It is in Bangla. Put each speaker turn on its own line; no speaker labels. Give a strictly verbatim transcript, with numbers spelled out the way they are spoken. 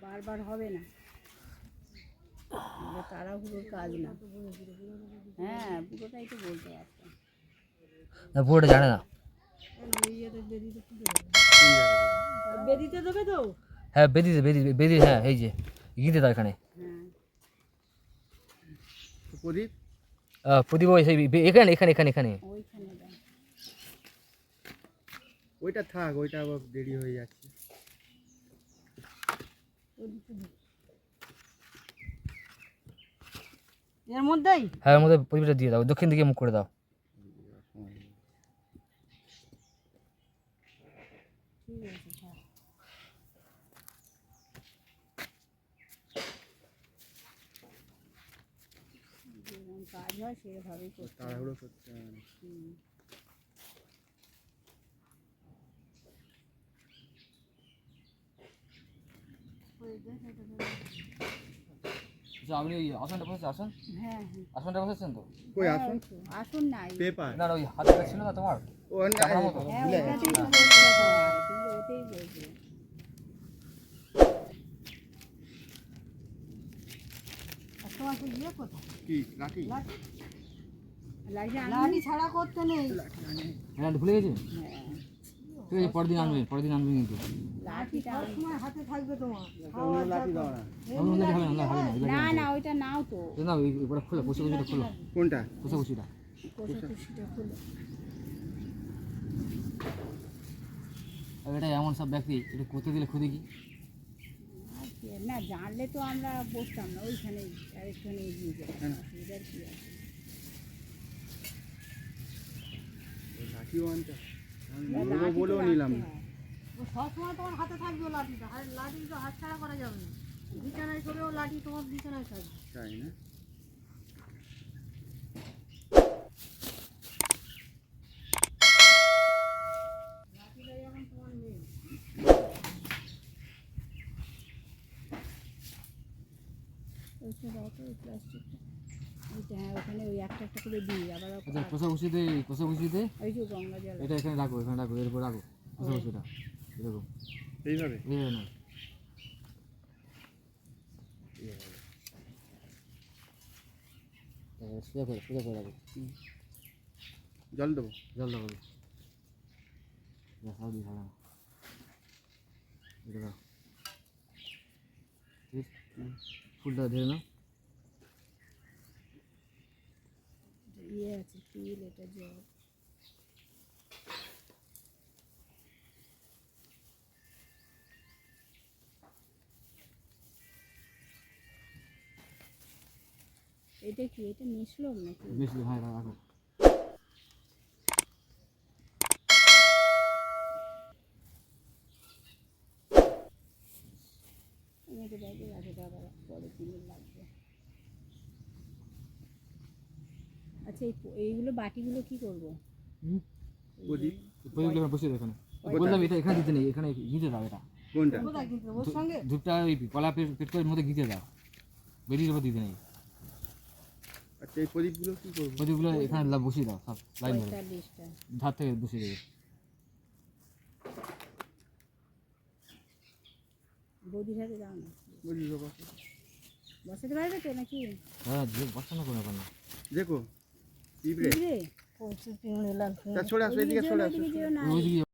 বারবার হবে না, তাড়াহুড়োর কাজ না। হ্যাঁ পুরোটাই তো বলতে পারতাম
না, পুরোটা জানে না।
বেদিতে দেবে তো?
হ্যাঁ বেদিতে বেদি বেদি হ্যাঁ এই যে গীতে তো এখানে
হ্যাঁ
প্রদীপ
প্রদীপ ওই সেই বে- এখানে এখানে এখানে এখানে
ওইখানে দাও।
ওইটা থাক, ওইটা আবার দেরি হয়ে যাচ্ছে।
এর মধ্যেই
হ্যাঁ এর মধ্যে প্রদীপটা দিয়ে দাও, দক্ষিণ দিকে মুখ করে দাও।
ঠিক আছে থাক। যেরকম কাজ হয় সেভাবেই করতে হবে।
তাড়াহুড়ো করতে হবে না।
হুম।
আচ্ছা আপনি ওই আসনটা বসেছেন, আসন
হ্যাঁ হ্যাঁ
আসনটা বসেছেন তো?
কই
হ্যাঁ,
আসুন
ওই তো, আসুন নাই।
পেপার
না ওই হাতটা ছিল না তোমার?
ও না,
চাপড়ার মতো?
হ্যাঁ
ভুলে
ওইটাতেই তো
গেছি।
বলতে হয়, তুমি ওতেই বলবে। আর তোমার তো ইয়ে কোথায়?
কি লাঠি?
লাঠি লাঠি ছাড়া করতে নেই।
হ্যাঁ ভুলে গেছি।
হ্যাঁ
ঠিক আছে পরের দিন আনবেন, পরের দিন আনবেন কিন্তু।
লাঠিটা
সব সময় হাতে থাকবে তোমার।
অন্য লাঠি দাও না।
অন্য লাঠি হবে না, হবে না, হবে না।
না না ওইটা নাও তো,
এই নাও, এই- এবারে খোলো, কুচি কুচিটা খোলো,
কোনটা?
কুচি কুচিটা।
কোষা কুষিটা খুলে।
আর এটা এমন সব ব্যক্তি এটা করতে দিলে খুদে কি
আর কি, না জানলে তো আমরা বসতাম না, ওইখানে আরেকখানে এগিয়ে যেতাম, অসুবিধার কি আছে।
ওই লাঠিও আনতে আমি
না,
নেবো
লাঠি তো
বলেও
রাখতে
নিলাম না।
হয়।
ও সব সময় তোমার হাতে থাকবে ও লাঠিটা। আর লাঠি তো হাত ছাড়া করা যাবে না। বিছানায় করেও লাঠি তোমার বিছানায় থাকবে।
তাই না?
লাঠিটা যেমন তোমার নেই।
ওইটা দাও তো, ওই প্লাস্টিকটা। ওইটা হ্যাঁ ওখানে ওই একটা একটা করে দিই আবার।
আচ্ছা কোষা কুচিতে কোষা কুচিতে
ওই যে গঙ্গা জল
এটা এখানে রাখো, এখানে রাখো, এর উপর রাখো কোষা কুচিটা এরকম
এইভাবে
এইভাবে না। তারপরে সোজা করে সোজা করে রাখো,
জল দেবো।
জল দেবো। সব দিয়ে খাওয়া এটা দাও, ঠিক ফুলটা ধরে নাও।
ইয়ে আছে তিল, এটা জল। এটা কি, এটা মিশলম নাকি?
বেশি হ্যাঁ রাখো।
আমি এটা ব্যাগে রাখে আবার পরে কিনে লাগবে। আচ্ছা এই প- এইগুলো বাটিগুলো কি করব?
প্রদীপ
প্রদীপটা বসিয়ে দাও এখানে। বললাম এটা এখানে দিতে নেই, এখানে ঘিতে দাও। এটা
কোনটা?
কোথায় কিন্তু ওর সঙ্গে
ধূপটা ওই কলা পেট পেট করে মধ্যে ঘিতে দাও, বেরিয়ে উপর দিতে নেই।
আচ্ছা এই প্রদীপগুলো কি করবো?
প্রদীপগুলো এখানে লা- বসিয়ে দাও সব লাইন ধরে,
পঁয়তাল্লিশটা।
ধার থেকে বসিয়ে দেবে।
বৌদির হাতে দাও না,
বলি বাবা
বসাতে পারবে তো নাকি?
হ্যাঁ যে বসানো কোনো ব্যাপার না।
দেখো পিঁপড়ে।
বুঝলে?
পৌঁছে পিঁড়ে লাগবে।
তা সরে আসো, এদিকে সরে আসো।
ওইদিকে যেও না।
ওইদিকে